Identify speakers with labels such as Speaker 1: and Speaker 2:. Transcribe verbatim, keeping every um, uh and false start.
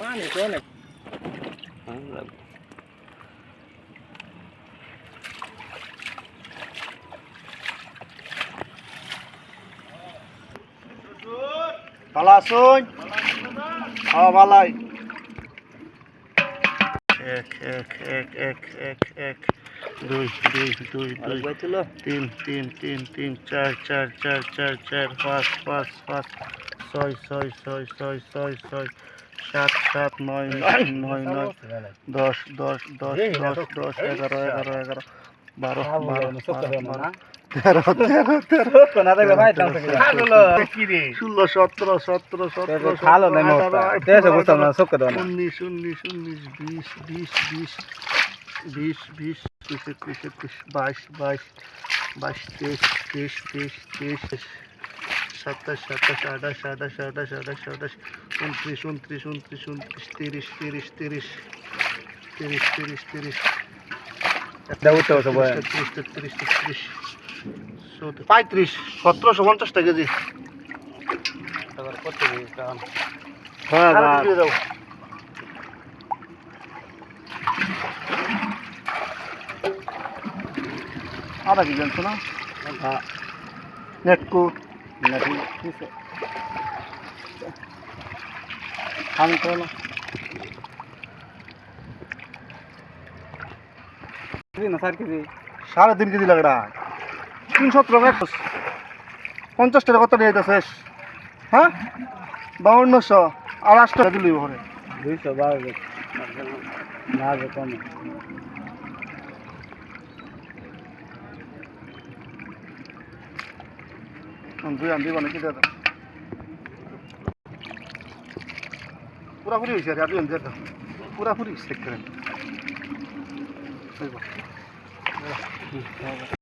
Speaker 1: পানি তো অনেক
Speaker 2: ভালো আছুন? হ্যাঁ ভালাই। এক এক এক এক এক এক দুই দুই দুই দুই তিন তিন তিন তিন চার চার চার চার চার পাঁচ পাঁচ পাঁচ ছয় ছয় ছয় ছয় ছয় ছয় সাত সাত নয় নয় নয় নয় দশ দশ দশ দশ দশ এগারো এগারো এগারো বারো বারো বারো তেরো তেরো তেরো ষোলো সতেরো সতেরো সতেরো উনিশ উনিশ উনিশ বিশ বিশ বিশ বিশ বিশ একুশ একুশ একুশ বাইশ বাইশ বাইশ তেইশ তেইশ তেইশ তেইশ সাতাশ সাতাশ আঠাশ আঠাশ আঠাশ আঠাশ আঠাশ উনত্রিশ উনত্রিশ উনত্রিশ উনত্রিশ তিরিশ তিরিশ তিরিশ তিরিশ তিরিশ তিরিশ তেত্রিশ তেত্রিশ তেত্রিশ পঁয়ত্রিশ সতেরোশো পঞ্চাশ টাকা কেজি। আধা কেজি আনছো না? নেটকু আমি তো সাড়ে তিন কেজি লাগড়া তিন সতেরো পঞ্চাশ টাকা কত নিয়ে শেষ হ্যাঁ বাউন্নশো আর আট টাকা দিলি ঘরে দুইশো বারো না কম দুই আন দিব নাকি দাদা পুরাপুরি হয়েছে আর দুই আন দিয়ে দাও পুরাপুরি চেক করেন